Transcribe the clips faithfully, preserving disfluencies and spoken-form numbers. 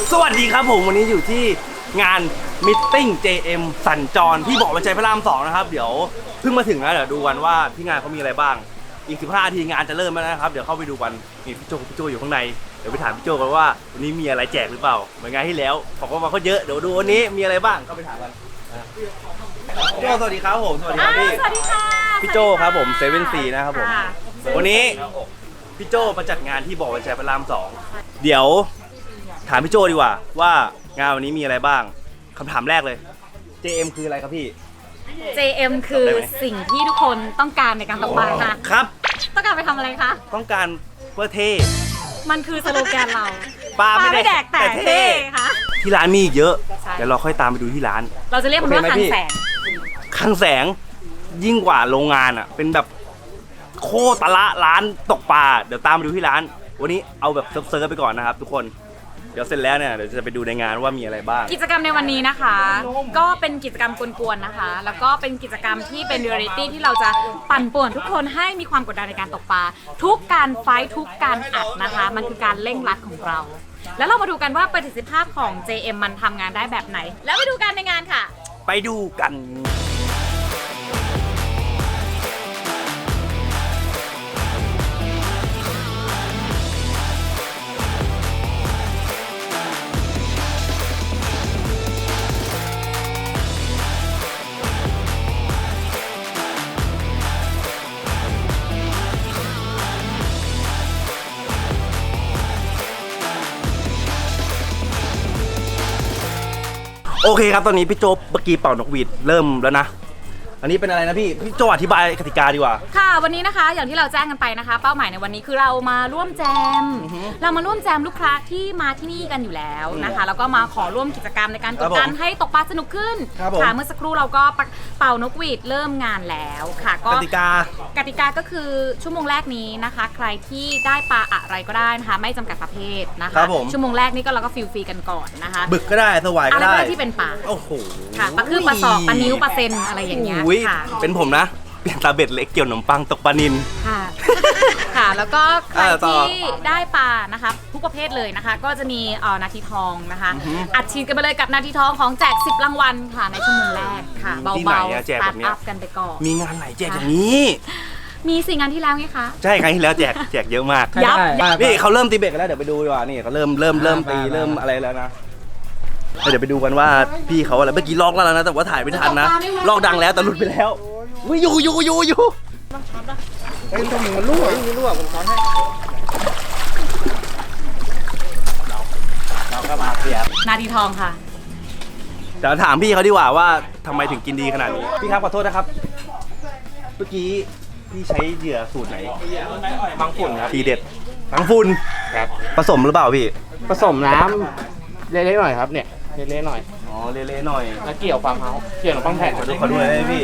สวัสดีครับผมวันนี้อยู่ที่งานมิทติ้ง เจ เอ็ม สัญจรที่บอกว่าใจพระรามสองนะครับเดี๋ยวเพิ่งมาถึงแล้วเดี๋ยวดูกันว่าที่งานเขามีอะไรบ้างอีกสิบห้านาทีงานจะเริ่มแล้วนะครับเดี๋ยวเข้าไปดูกันนี่พี่โจพี่โจอยู่ข้างในเดี๋ยวไปถามพี่โจกันว่าวันนี้มีอะไรแจกหรือเปล่าเหมือนงานที่แล้วของมาเขาเยอะเดี๋ยวดูวันนี้มีอะไรบ้างก็ไปถามกันพี่โจสวัสดีครับผมสวัสดีครับพี่สวัสดีค่ะพี่โจครับผมเซเว่นซีนะครับผมวันนี้พี่โจมาจัดงานที่บอกว่าใจพระรามสองเดี๋ยวถามพี่โจดีกว่าว่างานวันนี้มีอะไรบ้างคำถามแรกเลย เจ เอ็ม คืออะไรครับพี่เจ เอ็ม คือสิ่งที่ทุกคนต้องการในการตกปลาค่ะครับต้องการไปทำอะไรคะต้องการเพื่อเท่มันคือสโลแกนเราปลาไม่ไม่แดกแต่เท่ค่ะที่ร้านมีอีกเยอะใช่เดี๋ยวเราค่อยตามไปดูที่ร้านเราจะเรียกมันว่าโอเคไหมคังพี่แสงคลังแสงยิ่งกว่าโรงงานอ่ะเป็นแบบโคตรละร้านตกปลาเดี๋ยวตามไปดูที่ร้าน วันนี้เอาแบบเซิร์ฟๆไปก่อนนะครับทุกคนเดี๋ยวเสร็จแล้วเนี่ยเดี๋ยวจะไปดูในงานว่ามีอะไรบ้างกิจกรรมในวันนี้นะคะ ก็เป็นกิจกรรมกวนๆนะคะ แล้วก็เป็นกิจกรรมที่เป็นเรียลลิตี้ที่เราจะปั่นป่วนทุกคนให้มีความกดดันในการตกปลาทุกการไฟท์ทุกการอัดนะคะ มันคือการเร่งรัดของเรา แล้วเรามาดูกันว่าประสิทธิภาพของ เจ เอ็ม มันทำงานได้แบบไหน แล้วไปดูกันในงานค่ะไปดูกันโอเคครับตอนนี้พี่โจเมื่อกี้เป่านกหวีดเริ่มแล้วนะอันนี้เป็นอะไรนะพี่พี่โจอธิบายกติกาดีกว่าค่ะวันนี้นะคะอย่างที่เราแจ้งกันไปนะคะ เป้าหมายในวันนี้คือเรามาร่วมแจมอือฮึเรามาร่วมแจมลูกค้าที่มาที่นี่กันอยู่แล้วนะคะ แล้วก็มาขอร่วมกิจกรรมในการกดดันครับผมให้ตกปลาสนุกขึ้นครับผมค่ะเมื่อสักครู่เราก็เป่านกหวีดเริ่มงานแล้วค่ะก็กติกากติกาก็คือชั่วโมงแรกนี้นะคะ ใครที่ได้ปลาอะไรก็ได้นะคะไม่จำกัดประเภทนะครัคะบผมชั่วโมงแรกนี้ก็เราก็ฟิลฟรีกันก่อนนะคะบึกก็ได้สวายอะก็ไรก็ได้ได้ที่เป็นปลาโอ้โหค่ะปลาคือปลาศอกปลานิ้วปลาเซนอะไรอย่างเงี้ยอุ้ยค่ะเป็นผมนะเปลี่ยนตาเบ็ดเล็กเกี่ยวขนมปังตกปลานินค่ะ ค่ะ แล้วก็ใครอ่าต่อที่ได้ปลานะคะทุกประเภทเลยนะคะ ก็จะมีเอ่อนาทีทองนะคะอือฮึอัดฉีดกันไปเลยกับนาทีทองของแจกสิบรางวัลค่ะในชั่วโมงแรกค่ะที่ไหนเบาอะๆแจสกตาแบร์บทเนี้ยอัพกันไปก่อนมีงานไหนแจกอย่างนี้มีสี่งานที่แล้วไงคะใช่ครั้งที่แล้วแจกแจกเยอะมากยับนี่เขาเริ่มตีเบ็ดกันแล้วเดี๋ยวไปดูดีกว่านี่เขาเริ่มเริ่มเริ่มตีเริ่มอะไรแล้วนะเดี๋ยวไปดูกันว่าพี่เขาอะไรเมื่อกี้ลอกแล้วนะแต่ว่าถ่ายไม่ทันนะลอกดังแล้วแต่หลุดไปแล้วอุ้ยอยู่อยู่อยู่อยู่เป็นตัวหมูมันรั่วมีรั่วผมซ้อนให้เราเราก็มาเสียบนาทีทองค่ะเดี๋ยวถามพี่เขาดีกว่าว่าทำไมถึงกินดีขนาดนี้พี่ครับขอโทษนะครับเมื่อกี้พี่ใช้เหยื่อสูตรไหนบางฝุ่นครับทีเด็ดทั้งฝุ่นครับผสมหรือเปล่าพี่ผสมน้ำเละๆหน่อยครับเนี่ยเละๆหน่อยอ๋อเละๆหน่อยแล้วเกี่ยวฟาร์มเฮาส์เกี่ยวขนมปังแผ่นขอดูขอดูเลยพี่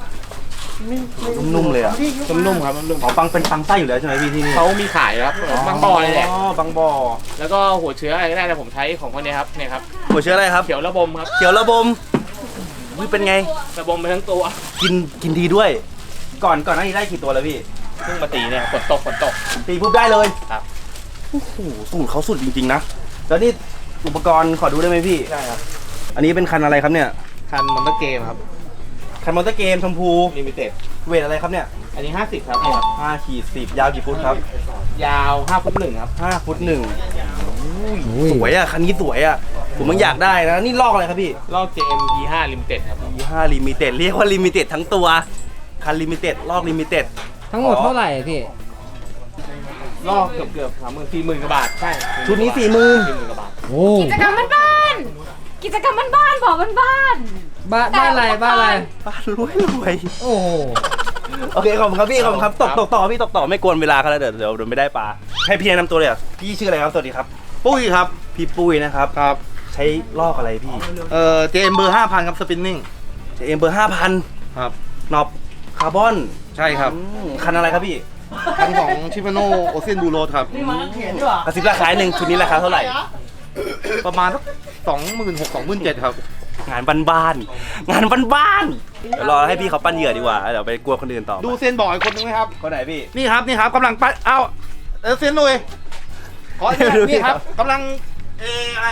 นุ่มๆเลยอ่ะนุ่มๆครับนุ่มอ๋อปังเป็นปังไส้อยู่แล้วใช่ไหมพี่ที่นี่ๆเขามีขายครับบางบ่อเลยแหละอ๋อบางบ่อแล้วก็หัวเชื้ออะไรก็ได้แต่ผมใช้ของคนนี้ครับเนี่ยครับหัวเชื้ออะไรครับเขียวระบมครับเขียวระบมวิเป็นไงระบมไปทั้งตัวกินกินดีด้วย ก่อนก่อนหน้านี้ได้กี่ตัวแล้วพี่เพิ่งมาตีเนี่ยฝนตกฝนตกตีปุ๊บได้เลยครับโอ้โหสูตรเขาสุดจริงๆนะแล้วนี่อุปกรณ์ขอดูได้ไหมพี่ใช่ครับอันนี้เป็นคันอะไรครับเนี่ยคันมอนเตอร์เกมครับคันมอเตอร์เกมชมพูลิมิเต็ดเวทอะไรครับเนี่ยอันนี้ห้าสิบครับเนี่ยครับห้าขีดสิบยาวกี่ฟุตครับยาวห้าฟุตหนึ่งครับห้าฟุตหนึ่งสวยอ่ะ คันนี้สวยอ่ะ ผมมันอยากได้นะ นี่ลอกอะไรครับพี่ลอก เจ เอ็ม อี ห้า Limited ครับยี่ห้าลิมิเต็ดเรียกว่าลิมิเต็ดทั้งตัว คันลิมิเต็ดลอกลิมิเต็ดทั้งหมดเท่าไหร่พี่ลอกเกือบเกือบสามหมื่นสี่หมื่นกว่าบาทใช่ชุดนี้สี่หมื่นสี่หมื่นกว่าบาทโอ้กิจกรรมบ้านๆกิจกรรมบ้านๆบอกบ้านบ้านบ้านอะไรบ้านอะไรบ้านรวยรวยโอ้โหโอเคขอบคุณครับพี่ขอบคุณครับตกตกต่อพี่ตกต่อไม่กวนเวลาเขาแล้วเดี๋ยวเดี๋ยวเดี๋ยวไม่ได้ปลาให้พี่แนะนำตัวเลยอ่ะพี่ชื่ออะไรครับสวัสดีครับปุ้ยครับพี่ปุ้ยนะครับครับใช้ลอกอะไรพี่เอ่อ เจ เอ็ม เบอร์ห้าพันครับสปินนิ่งเจเอ็มเบอร์ห้าพันครับนอบคาร์บอนใช่ครับอืมคันอะไรครับพี่คันของชิฟาโนโอเซียนบูโรครับกระซิบราคาหนึ่งชุดนี้ราคาเท่าไหร่ประมาณสักสองหมื่นหกสองหมื่นเจ็ดครับงานบ้านๆงานบ้านๆเดี๋ยวรอให้พี่เขาปั้นเหยื่อดีกว่าเดี๋ยวไปกลัวคนอื่นต่อดูเซียนบ่อยคนนึงไหมครับคนไหนพี่นี่ครับ นี่ครับกำลังปั้นเอ้าเออเซียนลุยขออนุญาตดูดินี่คครัรับ บกำลัง เอออะไรอ่ะ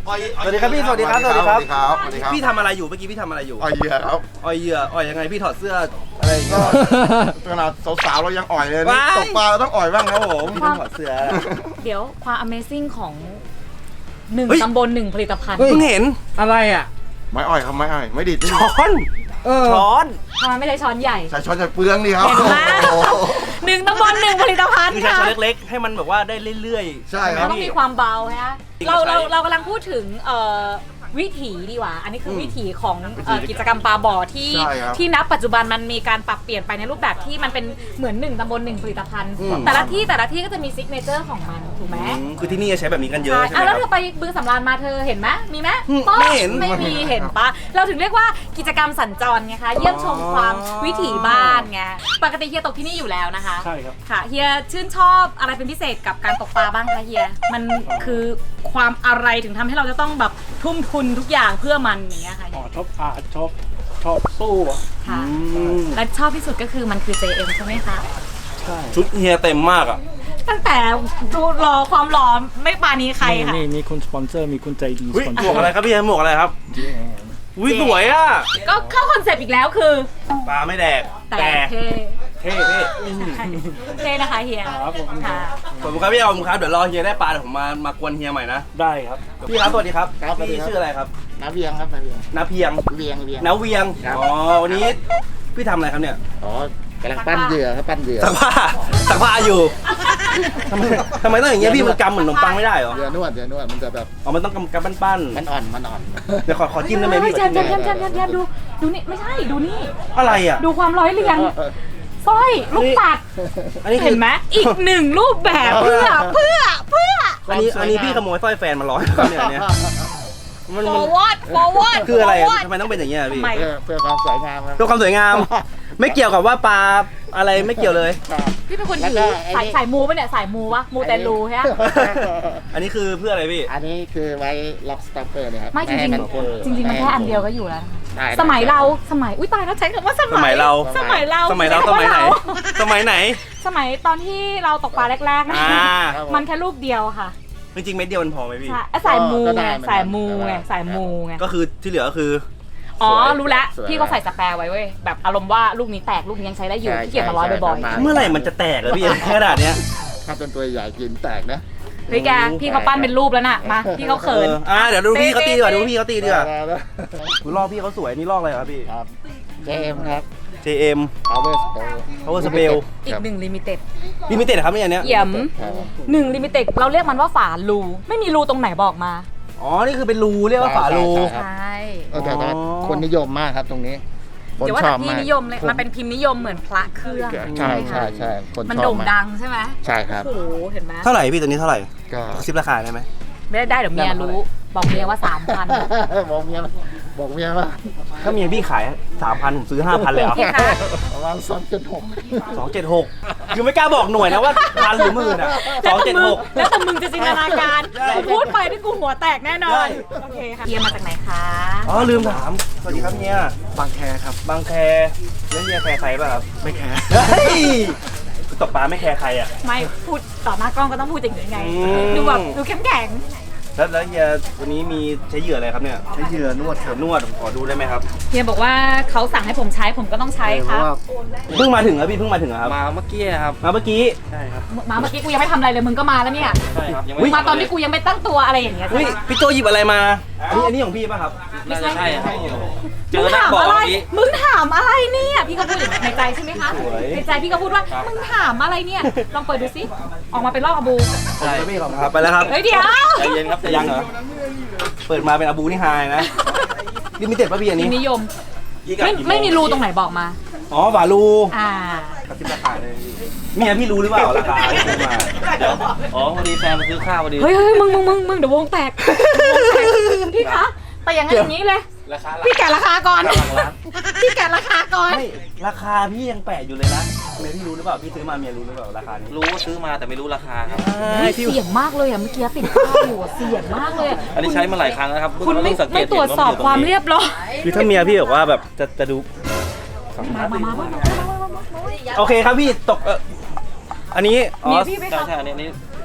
สวัสดีครับพี่สวัสดีครับสวัสดีครับสวัสดีครับสวัสดีครับพี่ทำอะไรอยู่เมื่อกี้พี่ทำอะไรอยู่อ่อยเหยื่อครับอ่อยเหยื่ออ่อยยังไงพี่ถอดเสื้ออะไรอย่างเงี้ยขนาดสาวๆเรายังอ่อยเลยว้ายตกปลาเราต้องอ่อยบ้างครับผมพี่ต้องถอดเสื้อเดี๋ยวความ Amazing ของหนึ่งเฮ้ยตำบลหนึ่งผลิตภัณฑ์เพิ่งเห็นอะไรอ่ะไม่อ่อยครับไม่อ่อยไม่ดิดไม่ดิดช้อนเออช้อนทำไมไม่ใช่ช้อนใหญ่ใส่ช้อนใส่เปลืองนี่ครับเห็นไหมโอ้โหหนึ่งตำบลหนึ่งผลิตภัณฑ์คือใช้ค่ะช้อนเล็กๆ ให้มันแบบว่าได้เรื่อยๆใช่คมัรันบต้องมีความเบาฮะจริงเราใช่เราเรากำลังพูดถึงเอ่อวิถีดีกว่า อันนี้คืออมวิถีของเอ่อกิจกรรมปลาบ่อที่ใช่ครับที่นับปัจจุบันมันมีการปรับเปลี่ยนไปในรูปแบบที่มันเป็นเหมือนหนึ่งตำบลหนึ่งผลิตภัณฑ์อืมแต่ละที่แต่ละที่ก็จะมีซิกเนเจอร์ของมันถูกไหมอืมคือที่นี่จะใช้แบบนี้กันเยอะใช่ใช่ไหมอ่ะคแล้รัวบเธอไปบึงสำราญมาเธอเห็นไหมมีไหมอืมป๊อกไม่เห็นไม่มีเห็นปะเราถึงเรียกว่ากิจกรรมสัญจรไงคะเยี่ยมชมความวิถีบ้านไงปกติเฮียตกที่นี่อยู่แล้วนะคะใช่ครับค่ะเฮียชื่นชอบอะไรเป็นพิเศษกับการตกปลาบ้างคะเฮียมันคือความอะไรถึงทำให้เราจะต้องแบบทุ่มทุนทุกอย่างเพื่อมันอย่างเงี้ยค่ะอ๋อชอบอาชอบชอบสู้อะค่ะอืมและชอบที่สุดก็คือมันคือ เจ เอ็ม ใช่ไหมคะใช่ชุดเฮียเต็มมากอ่ะตั้งแต่ดูรอความรอไม่ปานี้ใครค่ะนี่มีคุณสปอนเซอร์มีคุณใจดีอุ๊สยปอนหเซมอวกร์อะไรครับพี่หมวกอะไรครับอุ้ยสวยอ่ะก็เข้าคอนเซปต์อีกแล้วคือปลาไม่แดกแต่แต่เท่เท่เท่อืมเท่นะคะเฮียครับผมค่ะขอบคุณครับพี่เอาผมครับเดี๋ยวรอเฮียได้ปลาเดี๋ยวผมมามากวนเฮียใหม่นะได้ครับพี่ครับสวัสดีครับครับสวัสดีพี่ครับชื่ออะไรครับน้าเวียงครับน้าเวียงนาเพียงเวียงเวียงนาเวียงครับอ๋อวันนี้พี่ทำอะไรครับเนี่ยอ๋อกำลังปั้นเหยื่อครับปั้นเหยื่อสักผ้าสักผ้าอยู่ทำไมทำไมต้องอย่างเงี้ยพี่มันกำเหมือนขนมปังไม่ได้เหรอเหยื่อนวดเหยื่อนวดมันจะแบบอ๋อมันต้องกำกำปั้นมันอ่อนมันอ่อนๆเดี๋ยวขอขอจิ้มได้ไหมพี่แจมแจมแจมแจมแจมแจมดูดูนี่ไม่ใช่ดูนี่อะไรอ่ะดูความร้อยเรียงสร้อยลูกปัดอันนี้คือเห็นไหมอีกหนึ่งรูปแบบเพื่อเพื่อเพื่ออันนี้อันนี้พี่ขโมยสร้อยแฟนมาร้อยครับเนี่ยอันเนี่ยมันมัน forward forward คืออะไรอะ forward ทำไมต้องเป็นอย่างเงี้ยพี่ไม่เพื่อเพื่อความสวยงามครับเพื่อความสวยงาม ไม่เกี่ยวกับว่าปลาอะไรไม่เกี่ยวเลยครับพี่เป็นคนแล้วถืก็อไอ้สายนี่สายมูปะเนี่ยสายมูวะมูแต่รูใช่ไหมอันนี้คือเพื่ออะไรพี่อันนี้คือไว้ล็อกสต็อปเปอร์เลยครับไม่จริงให้ๆมันจริงๆมันแค่อันเดียวก็อยู่แล้วนะคะได้สมัยเราสมัยอุ้ยตายแล้วใช้คำว่าสสมัมัยยเราสมัยเราสมัยเราสมัยไหน สมัยไหนสมัยตอนที่เราตกปลาแรกๆนะอ่ามันแค่รูปเดียวค่ะจริงๆเม็ดเดียวมันพอไหมพี่ใช่อ่ะสายมูไงสายมูไงสายมูไงก็คือที่เหลือก็คืออ๋อรู้แล้วพี่เขาใส่สแปร์ไว้เว้ยแบบอารมณ์ว่าลูกนี้แตกลูกนี้ยังใช้ได้อยู่ที่เกียจมาร้อยบ่อยๆเมื่อไหร่มันจะแตกอะพี่ขนาดเนี้ยถ้าเป็นตัวใหญ่กินแตกนะเฮ้ยแกพี่เขาปั้นเป็นรูปแล้วน่ะมาพี่เขาเขินอออ่าเดี๋ยวดูพี่เขาตีดีกว่าดูพี่เขาตีดีกว่าได้ได้คุณลอกพี่เขาสวยนี่ลอกอะไรครับพี่ครับเจมครับเจ เอ็ม power spell Power Spell อีกหนึ่งลิมิเต็ดลิมิเต็ดครับเนี่ยอันเนี้ยเยี่ยมครับหนึ่งลิมิเต็ดเราเรียกมันว่าฝารูไม่มีรูตรงไหนบอกมาอ๋อนี่คือเป็นรูเรียกว่าฝารูใช่ใช่เออแต่แต่คนนิยมมากครับตรงนี้คนเดี๋ยวว่าชอแต่บพี่มากนิยมเลยมันเป็นพิมพ์นิยมเหมือนพระเครื่องใช่ไหมใช่คะใช่คนมันชอบโด่งมากดังใช่ไหมใช่ครับโอ้โหเห็นไหมเท่าไหร่พี่ตัวนี้เท่าไหร่ก็ซิปราคาได้ไหมไม่ได้ได้เดี๋ยวเมียรู้บอกเมียว่าสามพันบอกเมียว่าบอกเมียว่าถ้าเมียพี่ขายสามพันผมซื้อห้าพันเลยเหรอพี่คะประมาณสองจุดหกสองเจ็ดหกคือไม่กล้าบอกหน่วยนะว่าพันหรือหมื่นอ่ะสองเจ็ดหกแล้วแต่มึงจะจินตนาการใช่กูพูดไปที่กูหัวแตกแน่นอใช่นโอเคค่ะเฮียมาจากไหนคะอ๋อลืมถามสวัสดีครับเฮียบางแคครับบางแคแล้วเฮียแคร์ใครป่ะครับไม่แคร์เฮ้ยตกปลาไม่แคร์ใครอ่ะไม่พูดต่อหน้ากล้องก็ต้องพูดอย่างนี้ไงอืมดูแบบดูเข้มแข็งแล้วแล้วเฮียวันนี้มีใช้เหยื่ออะไรครับเนี่ยใช้เหยื่อนวดครับนวดขอดูได้ไหมครับเฮียบอกว่าเขาสั่งให้ผมใช้ผมก็ต้องใช้เพครัราะบว่าเพิ่งมาถึงครับพี่เพิ่งมาถึงเหรอครับมาเมื่อกี้ครับมาเมื่อกี้ใช่ครับมาเมื่อกี้กูยังไม่ทำอะไรเลยมึงก็มาแล้วเนี่ยใช่ครับ ยังอุ๊ไม่ยมาตอนที่กูยังไม่ตั้งตัวอะไรอย่างเงี้ยอุ้ยพี่โจหยิบอะไรมาอันนี้อันนี้ของพี่ป่ะครับไม่น่าใช่จะใช่ครับเจมึอง หน้าถามบ่ออะไรเมื่อกี้มึงถามอะไรเนี่ยพี่ก็พูดอย่างนี้ในใจใช่ไหมคะสวยในใจพี่ก็พูดว่ามึงถามอะไรเนี่ยลองเปิดดูสิออกมาเป็นรอบอาบูใช่พี่ของครับไปแล้วครับเฮ้ยเดี๋ยวใจเย็นครับใจจะเย็ยังนเหรอเปิดมาเป็นอาบูนี่ไฮนะลิมิเต็ดป่ะพี่อันพินี้มพ์นิยมไม่ไม่มีรูตรงไหนบอกมาอ๋อฝาลูอ่ากระซิบราคาเลยเมียพี่รู้หรือเปล่าราคาที่ซื้อมาอ๋อพอดีแฟนมาซื้อข้าวพอดีเฮ้ยเฮ้ยมึงมึงมึงมึงเดี๋ยววงแตกวงแตกพี่คะแต่อย่างนั้นอย่างนี้เลยราคาหลักพี่แกะราคาก่อนหลักล้านพี่แกะราคาก่อนไม่ราคาพี่ยังแปะอยู่เลยนะเมียพี่รู้หรือเปล่าพี่ซื้อมาเมียรู้หรือเปล่าราคานี้รู้ว่าซื้อมาแต่ไม่รู้ราคาครับเฮ้ยเสียงมากเลยอ่ะเมื่อกี้ติดข้าวอยู่อะเสียงมากเลยอะอันนี้ใช้มาหลายครั้งแล้วครับคุณไม่เพิ่งสังเกไม่ตตรวจสอบความเรียบร้อยคือถ้าเมียพี่บอกว่าแบบจะจะดูมามามามามาโอเคครับพี่ตกเอออันนี้อ๋อเมียพี่ไม่ใช่เข้าใช่อันนี้อันนี้แฟ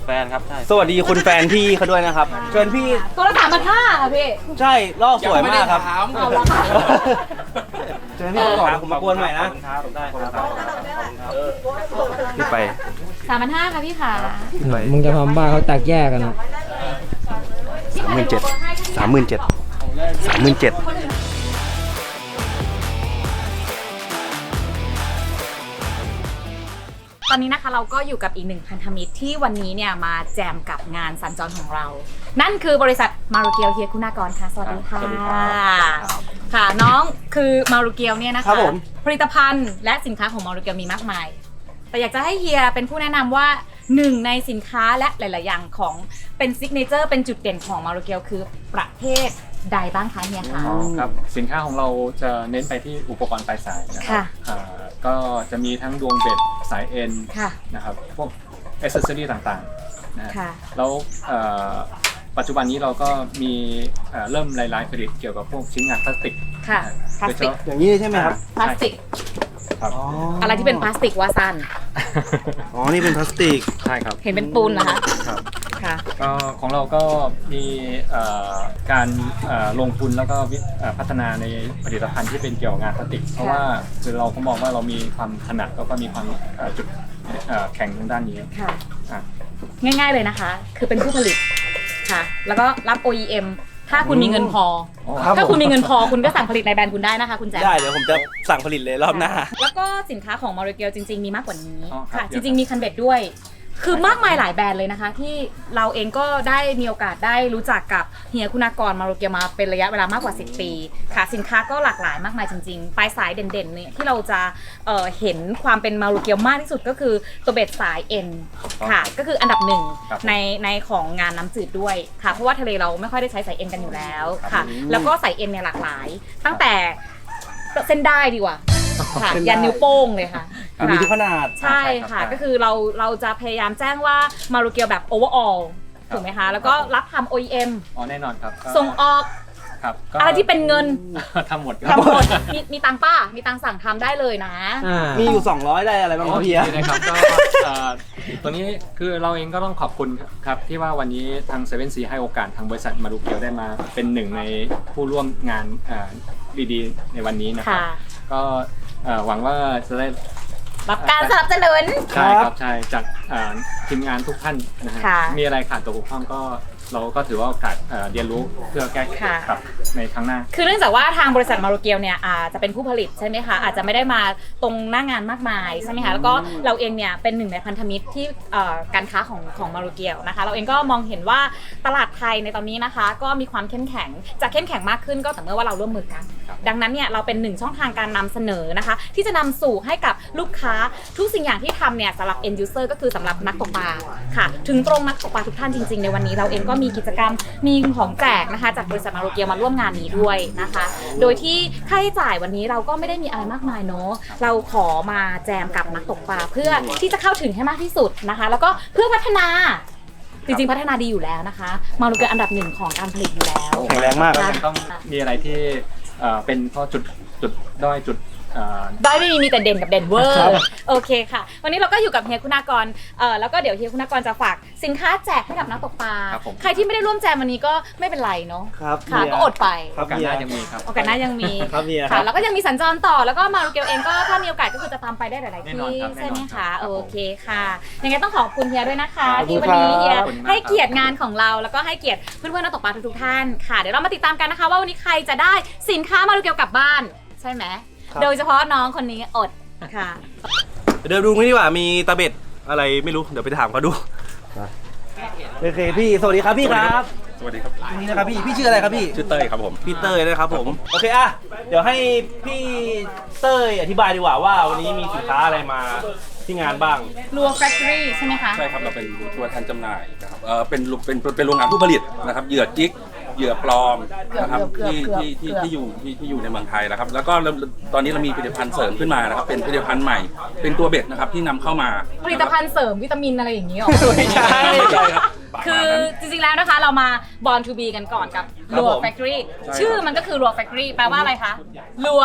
ฟนครับใช่สวัสดีคุณแฟนพี่เขาด้วยนะครับเชิญพี่ตัวละสามพันห้าค่ะพี่ใช่ลอกสวยมากครับเอาละค่ะเชิญพี่ก่อนผมมากวนใหม่นะครับได้ครับพี่ไปสามพันห้าค่ะพี่ค่ะมึงจะทำบ้าเขาแตกแยกกันนะสามหมื่นเจ็ดสามหมื่นเจ็ดสามหมื่นเจ็ดตอนนี้นะคะเราก็อยู่กับอีกหนึ่งพันธมิตรที่วันนี้เนี่ยมาแจมกับงานสัญจรของเรา นั่นคือบริษัทมารุเกียวเฮียคุณากรค่ะสวัสดีค่ะค่ะน้องคือมารุเกียวเนี่ยนะคะผลิตภัณฑ์และสินค้าของมารุเกียวมีมากมายแต่อยากจะให้เฮียเป็นผู้แนะนำว่าหนึ่งในสินค้าและหลาย ๆ อย่างของเป็นซิกเนเจอร์เป็นจุดเด่นของมารุเกียวคือประเภทใดบ้างคะเฮียคะอ๋อครับสินค้าของเราจะเน้นไปที่อุปกรณ์ปลายสายนะครัค่ะอ่าก็จะมีทั้งดวงเบ็ดสายเอ็นค่ะนะครับพวกอ c เซสซอรี่ต่างๆนะฮะค่ะแล้วเอ่อปัจจุบันนี้เราก็มีเอ่อเริ่มรายๆผลิตเกี่ยวกับพวกชิ้นงานพลาสติกค่ะนะพลาสติกโดยเฉพาะอย่างนี้ใช่ไหมครับพลาสติกครับอะไรที่เป็นพลาสติกว่าสั้นอ๋อนี่เป็นพลาสติกใช่ครับเห็นเป็นปูนเหรอคะครับค่ะก็ของเราก็มีเอ่อการเอ่อลงทุนแล้วก็วิเอ่อพัฒนาในผลิตภัณฑ์ที่เป็นเกี่ยวกับงานพลาสติก เพราะว่าคือเราก็มองว่าเรามีความถนัดแล้วก็มีความเอ่อจุดเอ่อแข่งทางด้านนี้ค่ะอ่ะง่ายๆเลยนะคะ คือเป็นผู้ผลิตค่ะ แล้วก็รับ โอ อี เอ็ม ถ้าคุณมีเงินพอครับถ้าคุณผมมีเงินพอคุณก็สั่งผลิตในแบรนด์คุณได้นะคะ คุณแจ๊คได้เดี๋ยวผมจะสั่งผลิตเลยรอบหน้าแล้วก็สินค้าของมาริเกลจริงๆมีมากกว่านี้อ๋อครับค่ะเดี๋จยวริงๆมีคันเบ็ดด้วย คือมากมายหลายแบรนด์เลยนะคะ ที่เราเองก็ได้มีโอกาสได้รู้จักกับเฮียคุณากรมาริเกลมาเป็นระยะเวลามากกว่าสิบปีค่ะ สินค้าก็หลากหลายมากมายจริงๆปลายสายเด่นๆเนี่ยที่เราจะเอ่อเห็นความเป็นมาริเกลมากที่สุดก็คือตัวเบ็ดสายเอ็นค่ะ ก็คืออันดับหนึ่งครับในในของงานน้ำจืดด้วยค่ะ เพราะว่าทะเลเราไม่ค่อยได้ใช้สายเอ็นกันอยู่แล้วค่ะ แล้วก็สายเอ็นเนี่ยหลากหลาย ตั้งแต่เส้นได้ดีกว่าค่ะเส้นได้ยันนิ้วโป้งเลยค่ะมีทุกขนาดใช่ค่ะ ก็คือเราเราจะพยายามแจ้งว่ามารุเกียวแบบโอเวอร์ออลถูกไหมคะ แล้วก็รับทำ โอ อี เอ็มอ๋อแน่นอนครับก็ส่งออกครับก็อะไรที่เป็นเงินทำหมดครับทำหมดมีมีตังค์ป้า มีตังค์สั่งทำได้เลยนะอ่ามีอยู่สองร้อยได้อะไรบ้างครับพี่ดีนะครับก็เอ่อตัวนี้คือเราเองก็ต้องขอบคุณครับที่ว่าวันนี้ทางเซเว่นซีให้โอกาสทางบริษัทมารุเกียวได้มาเป็นหนึ่งในผู้ร่วมงานเอ่อดีๆในวันนี้นะครับค่ะก็เอ่อหวังว่าจะได้รับการสนับสนุนใช่ครับใช่จากเอ่อทีมงานทุกท่านนะฮะค่ะมีอะไรขาดตกบกพร่องก็เราก็ถือว่าโอกาสเอ่อเรียนรู้เพื่อแก้ไขค่ะครับในครั้งหน้าคือเนื่องจากว่าทางบริษัทมารุเกียวเนี่ยอาจจะเป็นผู้ผลิตใช่ไหมคะอาจจะไม่ได้มาตรงหน้างานมากมายใช่ไหมคะแล้วก็เราเองเนี่ยเป็นหนึ่งในพันธมิตรที่เอ่อการค้าของของมารุเกียวนะคะเราเองก็มองเห็นว่าตลาดไทยในตอนนี้นะคะ ก็มีความเข้มแข็งจะเข้มแข็งมากขึ้นก็ต่อเมื่อว่าเราร่วมมือกันครับดังนั้นเนี่ยเราเป็นหนึ่งช่องทางการนำเสนอนะคะ ที่จะนำสู่ให้กับลูกค้าทุกสิ่งอย่างที่ทำเนี่ยสำหรับ end user ก็คือสำหรับนักตกปลาค่ะ ถึงตรงนักตกปลาทุกท่านจริงๆในวันนี้เราเองก็มีกิจกรรมมีของแจกนะคะจากบริษัทมารุเกียวมาร่วมงานนี้ด้วยนะคะ โดยที่ค่าใช้จ่ายวันนี้เราก็ไม่ได้มีอะไรมากมายเนาะเราขอมาแจมกับนักตกปลาเพื่อที่จะเข้าถึงให้มากที่สุดนะคะ แล้วก็เพื่อพัฒนาจริงๆพัฒนาดีอยู่แล้วนะคะ มารุเกียวอันดับหนึ่งของการผลิตอยู่แล้วแข็งแรงมากก็ยังต้องมีอะไรที่เอ่อเป็นข้อจุดจุดด้อยจุดเอ่อได้ไม่มีมีแต่เด่นกับเด่นเวอร์โอเคค่ะ วันนี้เราก็อยู่กับเฮียคุณากรเอ่อแล้วก็เดี๋ยวเฮียคุณากรจะฝากสินค้าแจกให้กับนักตกปลาครับผมใครที่ไม่ได้ร่วมแจมวันนี้ก็ไม่เป็นไรเนาะครับค่ะเฮียก็อดไปครับโอกาสหน้ายังมีครับโอกาสหน้ายังมีครับเฮียคค่ะรับแล้วก็ยังมีสัญจรต่อแล้วก็มารุเกียวเองก็ถ้ามีโอกาสก็คือจะตามไปได้หลายๆแน่นอนที่ครับใช่ไหมแน่นอนครัคะบโอเคค่ะยังไงต้องขอบคุณเฮียด้วยนะคะขอบคุณที่วันนี้เฮียครับให้เกียรติงานของเราแล้วก็ให้เกียรติเพื่อนๆนักตกปลาทุกๆท่านค่ะเดี๋ยวเรามาติดตามกันนะคะว่าวันนี้ใครจะได้สินค้ามารุเกียวกลับบ้านใช่ไหมโดยเฉพาะน้องคนนี้อดค่ะเดี๋ยวดูนี่ดีกว่ามีตะเบ็ดอะไรไม่รู้เดี๋ยวไปถามเขาดูโอเคพี่สวัสดีครับพี่ครับสวัสดีครับนี่นะครับพี่พี่ชื่ออะไรครับพี่ชื่อเต้ยครับผมพี่เต้ยนะครับผมโอเคอ่ะเดี๋ยวให้พี่เต้ยอธิบายดีกว่าว่าวันนี้มีสินค้าอะไรมาที่งานบ้างรัวแฟคทอรี่ใช่ไหมคะใช่ครับเราเป็นตัวแทนจำหน่ายนะครับเออเป็นเป็นเป็นเป็นโรงงานผู้ผลิตนะครับเหยื่อจิกเหยื่อปลอมนะครับที่ที่ที่ที่อยู่ที่ที่อยู่ในเมืองไทยนะครับแล้วก็เราตอนนี้เรามีผลิตภัณฑ์เสริมขึ้นมานะครับเป็นผลิตภัณฑ์ใหม่เป็นตัวเบ็ดนะครับที่นำเข้ามาผลิตภัณฑ์เสริมวิตามินอะไรอย่างนี้หรอไม่ใช่ใช่ครับคือจริงๆแล้วนะคะเรามา Born to be กันก่อนกับครับรัวผม Factory ใช่ครับชื่อมันก็คือรัว Factory แปลว่าอะไรคะรัว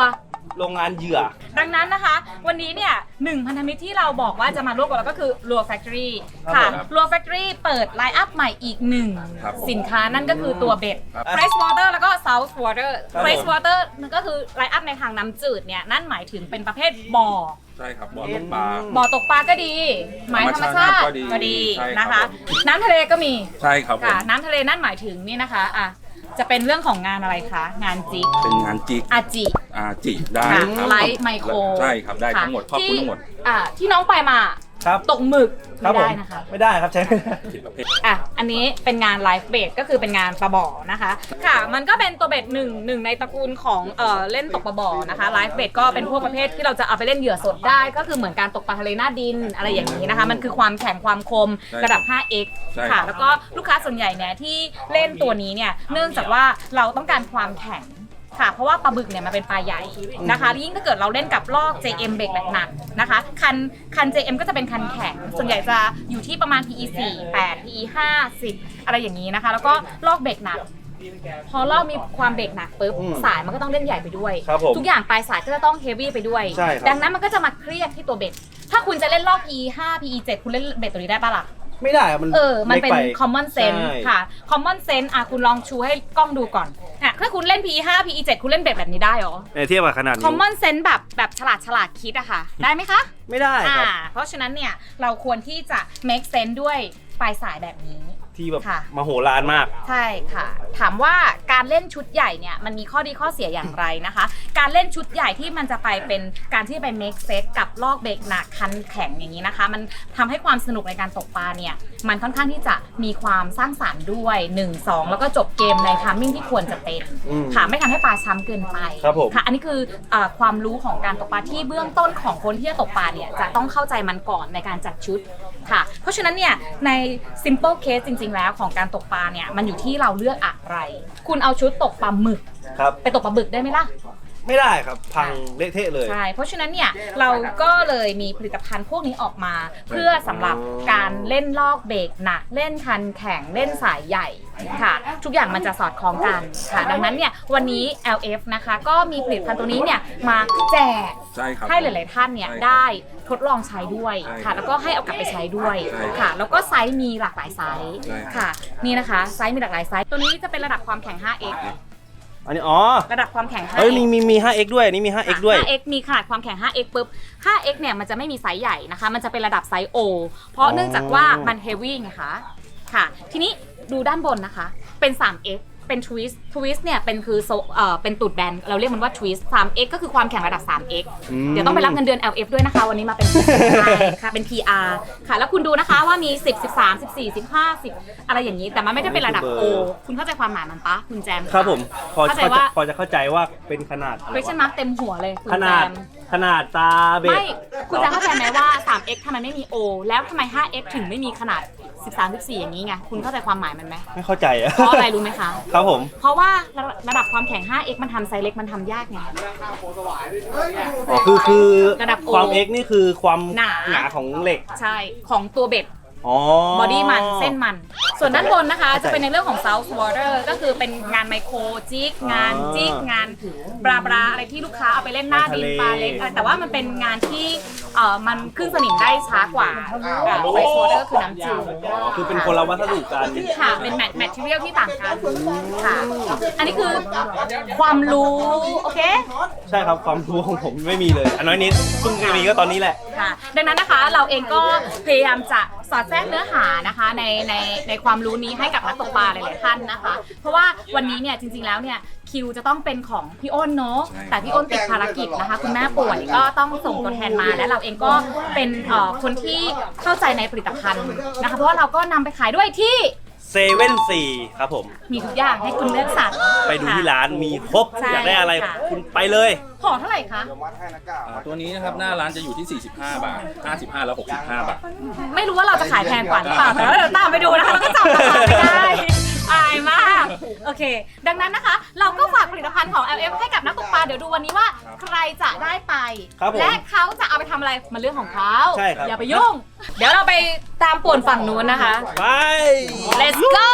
โรงงานเหยื่อดังนั้นนะคะ วันนี้เนี่ยหนึ่งพันธมิตรที่เราบอกว่าจะมาร่วมกับเราก็คือ Lure Factory ค่ะครับ Lure Factory เปิดไลน์อัพใหม่อีกหนึ่งครับสินค้านั่นก็คือตัวเบ็ดครับ Fresh Water แล้วก็ Salt Water ครับ Fresh Water มันก็คือไลน์อัพในทางน้ำจืดเนี่ยนั่นหมายถึงเป็นประเภทบ่อใช่ครับบ่อตกปลาบ่อตกปลาก็ดี หมายธรรมชาติก็ดีก็ดีใช่ครับนะคะผมน้ำทะเลก็มีใช่ครับผมค่ะน้ำทะเลนั่นหมายถึงนี่นะคะอ่ะจะเป็นเรื่องของงานอะไรคะงานจิกเป็นงานจิกอาจิอาจิได้ค่ะครับไลท์ไมโครใช่ครับได้ทั้งหมดครอบคลุมทั้งหมดอ่าที่น้องไปมาครับตกหมึกครัไม่บผมได้นะคะไม่ได้ครับใช้ไม่ได้ผิดประเภทอ่ะอันนี้เป็นงานไลฟ์เบดก็คือเป็นงานปลาบ่อนะคะค่ะมันก็เป็นตัวเบ็ดหนึ่งหนึ่งในตระกูลของเอ่อเล่นตกปลาบ่อนะคะไลฟ์เบดก็เป็นพวกประเภทที่เราจะเอาไปเล่นเหยื่อสดได้ก็คือเหมือนการตกปลาทะเลหน้าดินอะไรอย่างนี้นะคะมันคือความแข็งความคมใช่ระดับ ห้าเอ็กซ์ใช่ค่ะครับแล้วก็ลูกค้าส่วนใหญ่เนี่ยที่เล่นตัวนี้เนี่ยเนื่องจากว่าเราต้องการความแข็งค่ะเพราะว่าปลาบึกเนี่ยมันเป็นปลาใหญ่นะคะยิ่งถ้าเกิดเราเล่นกับลอก เจ เอ็ม เบรกหนักๆนะคะคันคัน เจ เอ็ม ก็จะเป็นคันแข็งส่วนใหญ่จะอยู่ที่ประมาณ พี อี สี่ แปด พี อี ห้า สิบอะไรอย่างนี้นะคะแล้วก็ลอกเบรกหนักพอลอกมีความเบรกหนักปุ๊บอืมสายมันก็ต้องเล่นใหญ่ไปด้วยครับผมทุกอย่างปลายสายก็จะต้องเฮฟวี่ไปด้วยใช่ครับดังนั้นมันก็จะมาเครียดที่ตัวเบ็ดถ้าคุณจะเล่นลอก พี อี ห้า พี อี เจ็ด คุณเล่นเบ็ดตัวนี้ได้ปะล่ะไม่ได้อะมันเออ มันเป็นล็กไ common sense ใช่ค่ะ common sense อ่ะคุณลองชูให้กล้องดูก่อนอ่ะถ้าคุณเล่น พี อี ห้า พี อี เจ็ด คุณเล่นเบ็ดแบบนี้ได้เหรอในเทียบกับขนาดนี้ common sense แบบแบบฉลาดฉลาดคิดอะค่ะ ได้ไหมคะไม่ได้ครับอ่าเพราะฉะนั้นเนี่ย เราควรที่จะ make sense ด้วยปลายสายแบบนี้ที่แบบค่ะมโหฬารมากใช่ค่ะ ถามว่าการเล่นชุดใหญ่เนี่ยมันมีข้อดีข้อเสียอย่างไรนะคะ การเล่นชุดใหญ่ที่มันจะไปเป็นการที่ไป make set กับลอกเบรกหนักคันแข็งอย่างนี้นะคะ มันทำให้ความสนุกในการตกปลาเนี่ยมันค่อนข้างที่จะมีความสร้างสรรค์ด้วยหนึ่ง สองแล้วก็จบเกมในทามมิ่งที่ควรจะเป็นอืมค่ะไม่ทำให้ปลาช้ำเกินไปครับผมค่ะอันนี้คือเอ่อความรู้ของการตกปลาที่เบื้องต้นของคนที่จะตกปลาเนี่ยจะต้องเข้าใจมันก่อนในการจัดชุดค่ะ เพราะฉะนั้นเนี่ยใน simple case จริง ๆ แล้วของการตกปลาเนี่ยมันอยู่ที่เราเลือกอะไร คุณเอาชุดตกปลาหมึกครับไปตกปลาบึกได้ไหมล่ะไม่ได้ครับ พังเละเทะเลยใช่ เพราะฉะนั้นเนี่ยเราก็เลยมีผลิตภัณฑ์พวกนี้ออกมา เพื่อสำหรับการเล่นลอกเบรกหนัก เล่นคันแข็งเล่นสายใหญ่ค่ะ ทุกอย่างมันจะสอดคล้องกันค่ะ ดังนั้นเนี่ยวันนี้ แอล เอฟ นะคะก็มีผลิตภัณฑ์ตัวนี้เนี่ยมาแจกใช่ครับให้หลาย ๆ ท่านเนี่ยใช่ครับได้ทดลองใช้ด้วยใช่ค่ะ แล้วก็ให้เอากลับไปใช้ด้วยใช่ครับค่ะ แล้วก็ไซส์มีหลากหลายไซส์ใช่ครับค่ะ นี่นะคะไซส์มีหลากหลายไซส์ตัวนี้จะเป็นระดับความแข็ง ห้าเอ็กซ์อันนี้อ๋อระดับความแข็ง 5x เฮ้ยมีมีมี ห้าเอ็กซ์ ด้วยอันนี่มี ห้าเอ็กซ์ ด้วยห้าเอ็กซ์ มีขนาดความแข็ง ห้าเอ็กซ์ ปุ๊บ ห้าเอ็กซ์ เนี่ยมันจะไม่มีไซส์ใหญ่นะคะ มันจะเป็นระดับไซส์ O เพราะเนื่องจากว่ามันเฮฟวี่ไงคะค่ะ ทีนี้ดูด้านบนนะคะ เป็น สาม เอ็กซ์ เป็น twist twist เนี่ยเป็นคือโซเอ่อเป็นตูดแบนเราเรียกมันว่า twist สาม เอ็กซ์ ก็คือความแข็งระดับ สาม เอ็กซ์อืมเดี๋ยวต้องไปรับเงินเดือน แอล เอฟ ด้วยนะคะ วันนี้มาเป็น ใช่ค่ะเป็น พี อาร์ ค่ะแล้วคุณดูนะคะว่ามี สิบ สิบสาม สิบสี่ สิบห้า สิบอะไรอย่างนี้แต่มันไม่ได้เป็นระดับ O คุณเข้าใจความหมายมันปะคุณแจมครับผมพอเข้าใจพอจะว่าพอจะเข้าใจว่าเป็นขนาดอะไร question วะ mark เต็มหัวเลยคุณขแจนาดมขนาดตาเบ็ดไม่ คุณจะเข้าใจไหมว่า สาม เอ็กซ์ ทำไมไม่มี O แล้วทำไม ห้า เอ็กซ์ ถึงไม่มีขนาด สิบสาม สิบสี่ อย่างนี้ไง คุณเข้าใจความหมายมันไหมไม่เข้าใจอะเพราะอะไรรู้ไหมคะครับผมเพราะว่าระระดับความแข็ง ห้า เอ็กซ์ มันทำไซส์เล็กมันทำยากไงอ๋อคือคือระดับ O ความ X นี่คือความหนาหนาของเหล็กใช่ ของตัวเบ็ดอ๋อบอดี้มันเส้นมัน ส่วนด้านบนนะคะเข้าใจจะเป็นในเรื่องของ South Water ก็คือเป็นงานไมโครจิกงานอ๋อจิกงานบราบราอะไรที่ลูกค้าเอาไปเล่นหน้าดินปลาเล็กอะไรแต่ว่ามันเป็นงานที่เอ่อมันขึ้นสนิมได้ช้ากว่าไวโซเดอร์คือน้ำจืดอ๋อคือเป็นคนละวัสดุกันค่ะ เป็นแมทแมทเทียลที่ต่างกันค่ะ อันนี้คือความรู้ โอเคใช่ครับความรู้ของผมไม่มีเลยอันน้อยนิดเพิ่งจะมีก็ตอนนี้แหละค่ะ ดังนั้นนะคะเราเองก็พยายามจะสอดแทรกเนื้อหานะคะในในในความรู้นี้ให้กับนักตกปลาหลายๆท่านนะคะ เพราะว่าวันนี้เนี่ยจริงๆแล้วเนี่ยคิวจะต้องเป็นของพี่อ้นเนาะใช่แต่พี่อ้นติดภารกิจนะคะ คุณแม่ป่วยก็ต้องส่งตัวแทนมาและเราเองก็เป็นเอ่อคนที่เข้าใจในผลิตภัณฑ์นะคะ เพราะว่าเราก็นำไปขายด้วยที่เซเว่นสี่ครับผมมีทุกอย่างให้คุณเลือกสรรไปดูที่ร้านมีครบใช่อยากได้อะไรค่ะคุณไปเลยห่อเท่าไหร่คะอ่าตัวนี้นะครับหน้าร้านจะอยู่ที่ สี่สิบห้า บาท ห้าสิบห้า แล้ว หกสิบห้า บาทไม่รู้ว่าเราจะขายแพงกว่าหรือเปล่าแต่ว่าเดี๋ยวตามไปดูนะคะเราก็จับราคาไม่ได้ อายมาก โอเค ดังนั้นนะคะ เราก็ฝากผลิตภัณฑ์ของ แอล เอฟ ให้กับนักตกปลาเดี๋ยวดูวันนี้ว่าใครจะได้ไปครับผมและเขาจะเอาไปทำอะไรมันเรื่องของเขาใช่ครับอย่าไปยุ่ง เดี๋ยวเราไปตามป่วนฝั่งนู้นนะคะไป let's go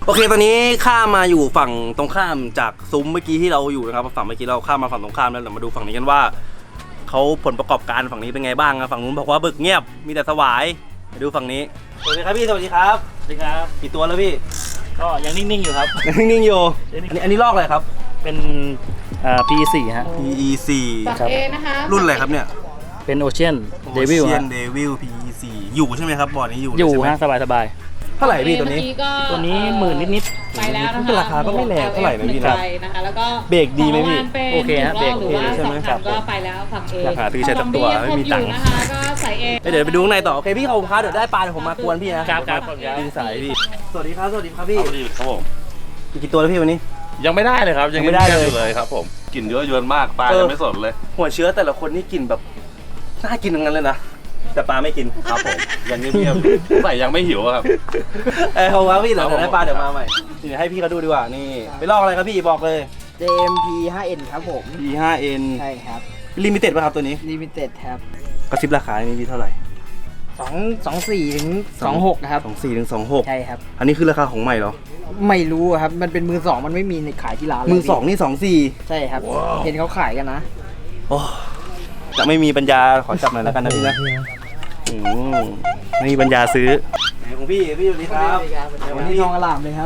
โอเคตอนนี้ข้ามมาอยู่ฝั่งตรงข้ามจากซุ้มเมื่อกี้ที่เราอยู่นะครับฝั่งเมื่อกี้เราข้ามมาฝั่งตรงข้ามแล้วเรามาดูฝั่งนี้กันว่าเขาผลประกอบการฝั่งนี้เป็นไงบ้างนะฝั่งนู้นบอกว่าบึกเงียบมีแต่สวายไปดูฝั่งนี้สวัสดีครับพี่สวัสดีครับสวัสดีครับกี่ตัวแล้วพี่ก็ยังนิ่งๆอยู่ครับนิ่งๆอยู่อันนี้อันนี้ลอกอะไรครับเป็นอ่า พี โอ สี่ ฮะพี อี สี่ฝั่งเอนะคะรุ่นอะไรครับเนี่ยเป็นโอเชียนเดวิลเชียฮะนเดวิล พี อี สี่ อยู่ใช่ไหมครับบ่อนี้อยู่อยู่ใช่ไหมฮะ สบายสบายเท่าไหร่พี่ตัวนี้ๆตัวนี้หมื่นนิดไปแล้วนะคะราคาก็ไม่แรงเท่าไหร่นะพี่นะไปนะคะแล้วก็เบรกดีไหมพี่ของรางวัลเป็นโอเคฮะเบรกหรือว่าโอเคใช่สไหมองครัพับนก็ไปแล้วฝั่งเออยากหาซื้อใช้สักตัวไม่มีตังค์นะคะก็ใส่เอเดี๋ยวไปดูข้างในต่อโอเคพี่เขาพาเดี๋ยวได้ปลาเดี๋ยวผมมากวนพี่นะครับครับครับดินสายพี่สวัสดีครับสวัสดีครับพี่ครับผมมีกี่ตัวแล้วพี่วันนี้ยังไม่ได้เลยครับยังไม่ได้เลยงีบๆอเลยครับผมกลิ่นเยอะเยินมากปลาเออยังไม่สดเลยหัวเชื้อแต่ละคนนี่กินแบบน่ากินทั้งนั้นเลยนะแต่ปลาไม่กินครับผมยังเงียบๆใส่ยังไม่หิวอะครับเออเขาว่าพี่เดี๋ยวครับผมได้ปลาเดี๋ยวมาใหม่นี่ให้พี่เขาดูดีกว่านี่ไปลอกอะไรครับพี่บอกเลยเจ เอ็ม พี ไฟว์ เอ็น ครับผมพี ห้า เอ็นใช่ครับลิมิเต็ดป่ะครับตัวนี้ลิมิเต็ดครับกระซิบราคานี่พี่เท่าไหร่สองสองสี่ถึงสองหกครับสองสี่ถึงสองหกใช่ครับอันนี้คือราคาของใหม่เหรอไม่รู้อะครับ มันเป็นมือสองมันไม่มีในขายที่ร้านเลยมือสองนี่สองสี่ใช่ครับ เห็นเขาขายกันนะโอ้จะไม่มีปัญญาขอจับหน่อยแล้วกันนะพี่นะอืมไม่มีปัญญาซื้อไหนของพี่พี่สวัสดีครับวันนี้ทองอลามเลยครับ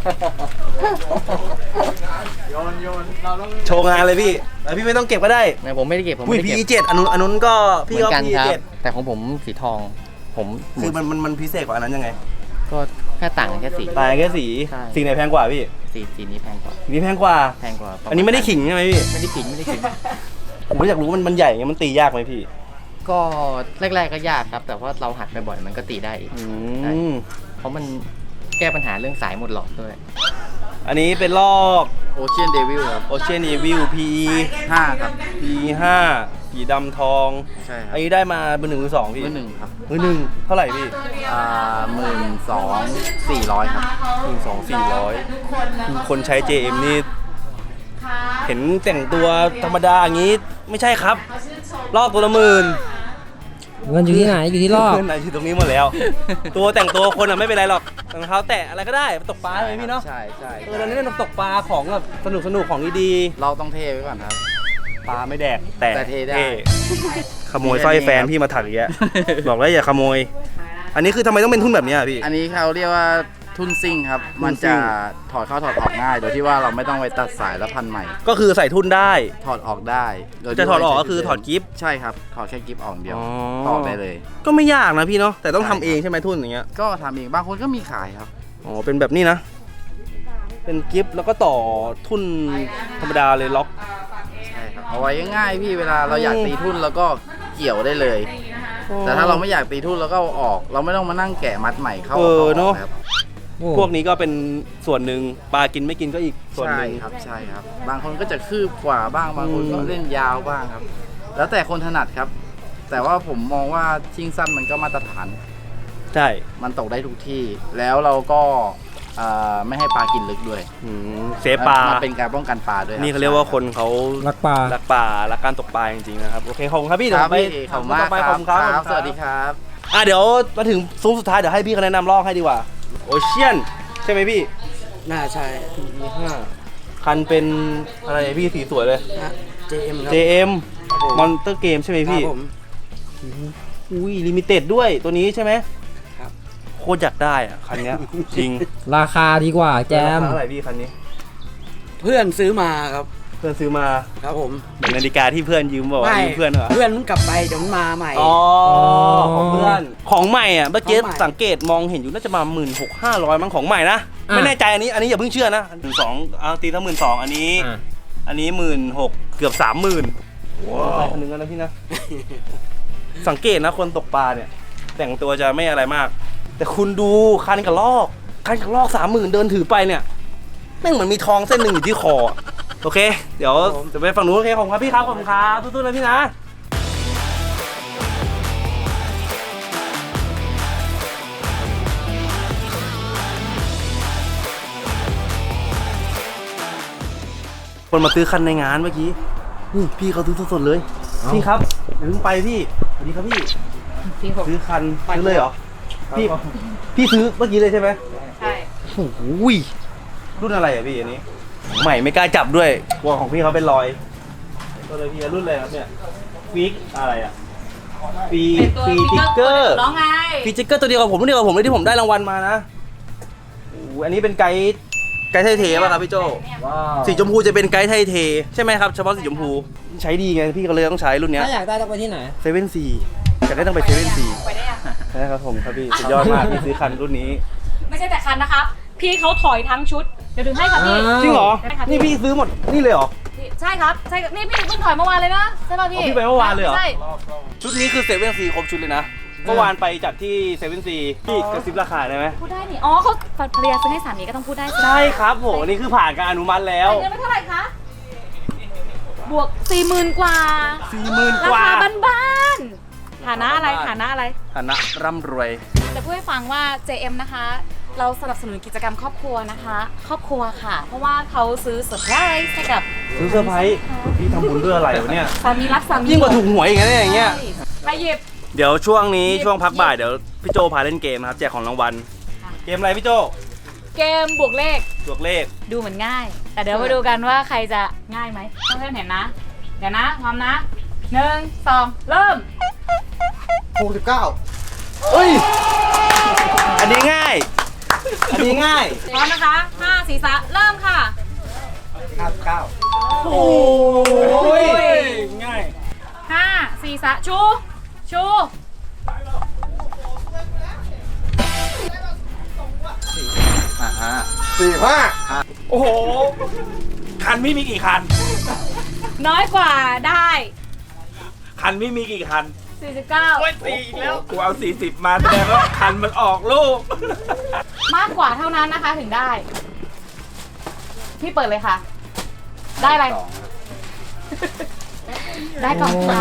โชว์งานเลยพี่แต่พี่ไม่ต้องเก็บก็ได้ไม่ผมไม่ได้เก็บผมอุ้ยไม่ได้พีเก็บเจ็ดอันนู้นอันนู้นก็เหพี่มือก็นกันพีครับเจ็ดแต่ของผมสีทอง ผมคือมันมันมันพิเศษกว่าอันนั้นยังไงก็แค่ต่างกันแค่สีตายแค่สีใช่สีไหนแพงกว่าพี่สีสีนี้แพงกว่าสีนี้แพงกว่าแพงกว่าประาณอันนี้ไม่ได้ขิงใช่ไหมพี่ไม่ได้ขิงไม่ได้ขิงผมอยากรู้มันมันใหญ่ไงมันตียากไหมพี่ก็แรกๆก็ยากครับ แต่ว่าเราหัดบ่อยๆมันก็ตีได้อีกอืใช่มเพราะมันแก้ปัญหาเรื่องสายหมดหลอดด้วยอันนี้เป็นลอกโอเชียนเดวิลครับโอเชียนอีวิล พีห้าครับพีห้าสีดำทองใช่ครับอันนี้ได้มาเป็นหนึ่งหรือสองพี่มือหนึ่งครับมือหนึ่งเท่าไหร่พี่อ่าหมื่นสองสี่ร้อยครับหนึ่งสองสี่ร้อยคนใช้ เจ เอ็ม นี่ เห็นแต่งตัวธรรมดาอย่างนี้ไม่ใช่ครับ ลอกตัวละหมื่นเงินอยู่ที่ไหนอยู่ที่รอบเงินไหนอยู่ตรงนี้หมดแล้ว ตัวแต่งตัวคนอ่ะไม่เป็นไรหรอกรองเท้าแตะอะไรก็ได้ตกปลาใช่ไหมพี่เนาะใช่ใช่เออเราเล่นตกปลาของแบบสนุกสนุกของดีเราต้องเทไว้ก่อนครับๆปลาไม่แดกแต่แต่เทได้ขโมยสร้อยแฟนพี่มาถักอย่างเงี้ยบอกแล้วอย่าขโมย อันนี้คือทำไมต้องเป็นทุ่นแบบเนี้ยพี่อันนี้เขาเรียกว่าทุนซิ่งครับ มันจะถอดเข้าถอดออกง่าย โดยที่ว่าเราไม่ต้องไปตัดสายแล้วพันใหม่ก็คือใส่ทุ่นได้ถอดออกได้โดยที่จะถอดออกก็คือถอดกิ๊บใช่ครับ ถอดแค่กิ๊บออกเดียวอ๋อถอดได้เลยก็ไม่ยากนะพี่เนาะแต่ต้องทำใช่เองใช่ไหมทุ่นอย่างเงี้ยก็ทำเอง บางคนก็มีขายครับอ๋อเป็นแบบนี้นะ เป็นกิฟต์แล้วก็ต่อทุ่นธรรมดาเลยล็อกใช่ครับ เอาไว้ง่ายๆพี่ เวลาเราอยากตีทุ่นแล้วก็เกี่ยวได้เลย แต่ถ้าเราไม่อยากตีทุ่นแล้วก็เอาออก เราไม่ต้องมานั่งแกะมัดใหม่เข้าเออเนอะครับพวกนี้ก็เป็นส่วนหนึ่งปลากินไม่กินก็อีกส่วนใช่หนึ่งครับ ใช่ครับ บางคนก็จะคืบกว่าบ้าง บางคนก็อืมเล่นยาวบ้างครับ แล้วแต่คนถนัดครับ แต่ว่าผมมองว่าชิงสั้นมันก็มาตรฐานใช่มันตกได้ทุกที่ แล้วเราก็เอ่อไม่ให้ปลากินลึกด้วยอืมเซฟปลามันเป็นการป้องกันปลาด้วยคบนี่เขาเรียกว่าคนเขารักปลารักปลารักการตกปลาจริงๆนะครับโอเคขอบคุณครับพี่คเดี๋ยวรับไปพี่ขอบคุณมากไปคขอรับบ คุณครับครับ สวัสดีครับอ่ะเดี๋ยวมาถึงซุ้มสุดท้ายเดี๋ยวให้พี่เขาแนะนำลอกให้ดีกว่าโอเชียนใช่ไหมพี่น่าใช่มีห้าคันเป็นอะไรพี่สีสวยเลยเจ เอ็มเจ เอ็ม มอนเตอร์เกมใช่ไหมพี่อุ้ยลิมิเต็ดด้วยตัวนี้ใช่ไหมครับโคตรอยากได้อ่ะคันเนี้ย จริงราคาดีกว่าแจมราคาเท่าไหร่พี่คันนี้เพื่อนซื้อมาครับเพื่อนซื้อมาครับผมเหมือนนาฬิกาที่เพื่อนยืมบอกว่ายืมเพื่อนเหรอเพื่อนมันกลับไปเดี๋ยวมันมาใหม่อ๋อของเพื่อนของใหม่อ่ะเมื่อกี้ของใหม่สังเกตมองเห็นอยู่น่าจะมาหมื่นหกห้าร้อยมั้งของใหม่นะอ่ะไม่แน่ใจอันนี้อันนี้อย่าเพิ่งเชื่อนะหนึ่งสองเอาตีทั้งหมื่นสองอันนี้อ่ะอันนี้หมื่นหกเกือบสามหมื่นว้าวคันหนึงแล้วนะพี่นะ สังเกตนะคนตกปลาเนี่ย แต่งตัวจะไม่อะไรมาก แต่คุณดูคันกับลอกคันกับลอกสามหมื่นเดินถือไปเนี่ยแม่งเหมือนมีทองเส้นหนึ่งอยู่ที่คออะโอเค เดี๋ยวจะไปฝั่งนู้นโอเคขอบคุณครับพี่ครับขอบคุณครับสู้ๆนะพี่นะคนมาซื้อคันในงานเมื่อกี้นี่พี่เขาซื้อสดๆเลยพี่ครับอย่าเพิ่งไปพี่สวัสดีครับพี่พี่ผมซื้อคันซื้อเลยเหรอพี่พี่ซื้อเมื่อกี้เลยใช่ไหมใช่โอ้โหรุ่นอะไรอ่ะพี่อันนี้ ใหม่ไม่กล้าจับด้วยกลัวของพี่เขาเป็นรอยตัวเลยพี่รุ่นอะไรครับเนี่ยฟิกอะไรอ่ะฟีฟีจิกเกอร์ร้องไงฟีจิกเกอร์ตัวเดียวกับผมรุ่นเดียวกับผมเลยที่ผมได้รางวัลมานะโอ้โหอันนี้เป็นไกด์ไกด์ไทยเทป่ะครับพี่โจสีชมพูจะเป็นไกด์ไทยเทใช่ไหมครับเฉพาะสีชมพูใช้ดีไงพี่ก็เลยต้องใช้รุ่นเนี้ยถ้าอยากได้ต้องไปที่ไหนเซเว่นซีอยากได้ต้องไปเซเว่นซีไปได้ยังใช่ครับผมครับพี่สุดยอดมากพี่ซื้อคันรุ่นนี้ไม่ใช่แต่คันนะครับ พี่เขาถอยทั้งชุด เดี๋ยวถึงให้ค่ะพี่จริงเหรอได้ค่ะนี่พี่ซื้อหมดนี่เลยเหรอใช่ครับใช่นี่พี่เพิ่งถอยเมื่อวานเลยนะใช่ป่ะพี่อ๋อพี่ไปเมื่อวานเลยเหรอใช่ชุดนี้คือเซเว่นซีครบชุดเลยนะเมื่อวานไปจัดที่เซเว่นซีพี่กระซิบราคาได้ไหมพูดได้นี่อ๋อเขาภรรยาซื้อให้สามีก็ต้องพูดได้สิใช่ครับผมอันนี้คือผ่านการอนุมัติแล้วเงินไม่เท่าไหร่คะบวกสี่หมื่นกว่าสี่หมื่นรากว่าคาบ้านๆฐานะอะไรฐานะอะไรฐานะร่ำรวยจะพูดให้ฟังว่า เจ เอ็ม นะคะ เราสนับสนุนกิจกรรมครอบครัวนะคะ ครอบครัวค่ะ เพราะว่าเขาซื้อเซอร์ไพรส์ให้กับซื้อเซอร์ไพรส์พี่ทำบุญด้วยอะไรวะเนี่ยสามีรักสามียิ่งกว่าถูกหวยอีกนะเนี่ยอย่างเงี้ยใช่ไปหยิบเดี๋ยวช่วงนี้ช่วงพักบ่ายเดี๋ยวพี่โจพาเล่นเกมนะครับแจกของรางวัลค่ะเกมอะไรพี่โจเกมบวกเลขบวกเลขดูเหมือนง่าย แต่เดี๋ยวมาดูกันว่าใครจะง่ายไหมเพื่อนๆเห็นนะ เดี๋ยวนะพร้อมนะหนึ่งสองเริ่มหกสิบเก้าเฮ้ยอันนี้ง่ายอันนี้ง่ายพร้อมนะคะห้าสี่สามเริ่มค่ะห้าสิบเก้าโอ้ยง่ายห้าสี่สามชูชูสี่ห้าโอ้โหคันไม่มีกี่คันน้อยกว่าได้คันไม่มีกี่คันสี่สิบเก้าโอ้ยสี่อีกแล้วกูเอาสี่สิบมาแสดงว่าคันมันออกลูกมากกว่าเท่านั้นนะคะถึงได้ พี่เปิดเลยค่ะ ได้อะไร ได้กล่องค่ะ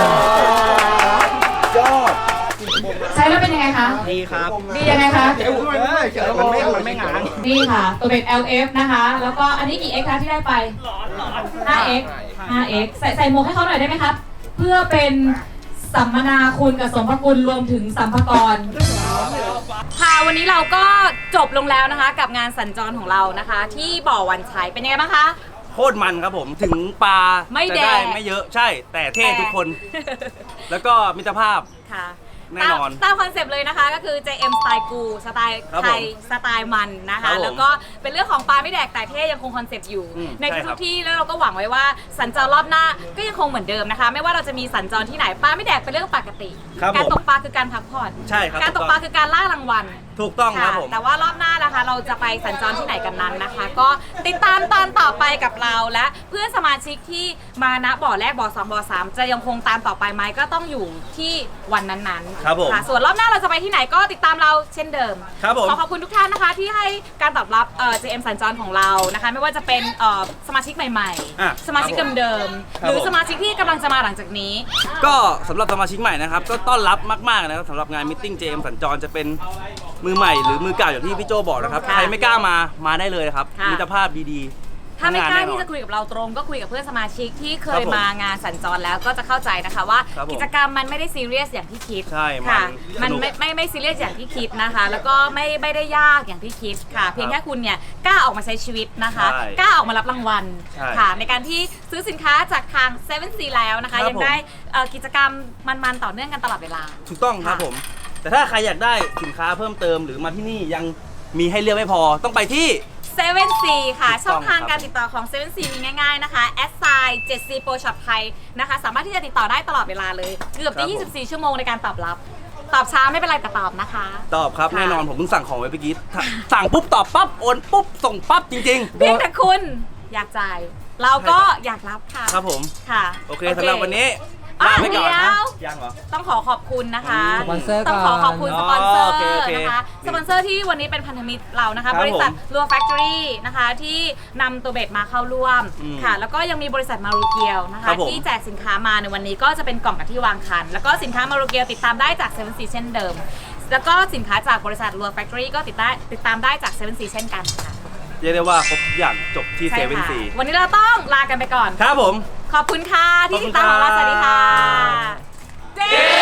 ยอดใช้แล้วเป็นยังไงคะดีครับดียังไงคะมันไม่มันไม่งานนี่ค่ะ ตัวเป็น แอล เอฟ นะคะ แล้วก็อันนี้กี่ X คะที่ได้ไป ห้า เอ็กซ์ ห้า เอ็กซ์ ใส่ใส่หมวกให้เขาหน่อยได้ไหมครับ เพื่อเป็นสัมมนาคุณกับสมภคุณรวมถึงสัมภากรค่ะวันนี้เราก็จบลงแล้วนะคะ กับงานสัญจรของเรานะคะ ที่บ่อวันชัยเป็นยังไงบ้างคะโคตรมันครับผมถึงปลาไม่จะแดได้งไม่เยอะใช่ แต่เท่ทุกคน แล้วก็มิตรภาพค่ะแน่นอนตามตามคอนเซปต์เลยนะคะก็คือ เจ เอ็ม สไตล์กูสไตล์ครับไทผมยสไตล์มันนะครัคะบผมแล้วก็เป็นเรื่องของปลาไม่แดกแต่เท่ยังคงคอนเซปต์อยู่อืมในใช่ครัทุบกๆที่แล้วเราก็หวังไว้ว่าสัญจรรอบหน้าก็ยังคงเหมือนเดิมนะคะ ไม่ว่าเราจะมีสัญจรที่ไหนปลาไม่แดกเป็นเรื่องปกติครับการผมตกปลาคือการพักผ่อนใช่ครับการตกปลาคือการล่ารางวัลถูกต้องครับผมแต่ว่ารอบหน้านะคะ เราจะไปสัญจรที่ไหนกันนั้นนะคะ ก็ติดตามตอนต่อไปกับเราและเพื่อนสมาชิกที่มาณบ่อแรกบ่อสองบ่อสามจะยังคงตามต่อไปไหมก็ต้องอยู่ที่วันนั้นๆครับผมค่ะส่วนรอบหน้าเราจะไปที่ไหนก็ติดตามเราเช่นเดิมครับผมขอขอบคุณทุกท่านนะคะที่ให้การตอบรับเอ่อ เจ เอ็ม สัญจรของเรานะคะ ไม่ว่าจะเป็นเอ่อสมาชิกใหม่อ่ะๆ สมาชิกเดิมครับๆหรือผมสมาชิกที่กำลังจะมาหลังจากนี้ก็สำหรับสมาชิกใหม่นะครับ ก็ต้อนรับมากๆนะครับสำหรับงานมิทติ้ง เจ เอ็ม สัญจรจะเป็นมือใหม่หรือมือเก่าอย่างที่พี่โจบอกนะครับค่ะใครไม่กล้ามามาได้เลยครับค่ะมิตรภาพดีๆถ้าไม่กล้าทำงนแน่นอนที่จะคุยกับเราตรงก็คุยกับเพื่อนสมาชิกที่เคครัยบผมมางานสัญจรแล้วก็จะเข้าใจนะคะว่าครับผมกิจกรรมมันไม่ได้ซีเรียสอย่างที่คิดใช่ค่ะมัมันนไม่ไม่ไม่ซีเรียสอย่างที่คิดนะคะ แล้วก็ไม่ไม่ได้ยากอย่างที่คิดค่ะ เพียงแค่คุณเนี่ยกล้าออกมาใช้ชีวิตนะคะใช่กล้าออกมารับรางวัลใช่ค่ะ ในการที่ซื้อสินค้าจากทาง เซเว่น ซี แล้วนะคะครับยังได้เอ่อกิจกรรมมันๆต่อเนื่องกันตลอดเวลาถูกต้องครับค่ะผม แต่ถ้าใครอยากได้สินค้าเพิ่มเติมหรือมาที่นี่ยังมีให้เลือกไม่พอต้องไปที่เซเว่น ซี ค่ะถูกต้องช่องทางครับการติดต่อของ เซเว่น ซี มีง่ายๆนะคะแอดไซน์เจ็ดซี Pro Shop ไทยนะคะ สามารถที่จะติดต่อได้ตลอดเวลาเลย เกือบจะยี่สิบสี่ชั่วโมงในการตอบรับ ตอบช้าไม่เป็นไรแต่ตอบนะคะตอบครับค่ะแน่นอนผมเพิ่งสั่งของไว้เมื่อกี้ถ้าสั่งปุ๊บตอบปั๊บโอนปุ๊บส่งปั๊บจริงเพียงแต่คุณอยากจ่าย เราก็อยากรับค่ะๆ ครับผมค่ะโอเคสำหรับวันนี้อ่ะลาไปก่อนนะเดี๋ยวยังเหรอต้องขอขอบคุณนะคะสปอนเซอร์ก่อนต้องขอขอบคุณสปอนเซอร์อ๋อโอเคโอเคนะคะ สปอนเซอร์ที่วันนี้เป็นพันธมิตรเรานะคะครับบริษัทผมลัวแฟคทอรี่นะคะที่นำตัวเบสมาเข้าร่วมอืมค่ะ แล้วก็ยังมีบริษัทมารูเกียวนะครัคะบผมที่แจกสินค้ามาในวันนี้ก็จะเป็นกล่องกับที่วางคัน แล้วก็สินค้ามารูเกียวติดตามได้จาก เซเว่น ซี เช่นเดิม แล้วก็สินค้าจากบริษัทลัวแฟคทอรี่ก็ติดได้ติดตามได้จาก เซเว่น ซี เช่นกันค่ะเรียกได้ว่าครบทุกอย่างจบที่ใช่เซเว่นค่ะซีวันนี้เราต้องลากันไปก่อนครับผมขอบคุณค่ะที่ขอบคุติณดตามของเราครับสวัสดีค่ะเจ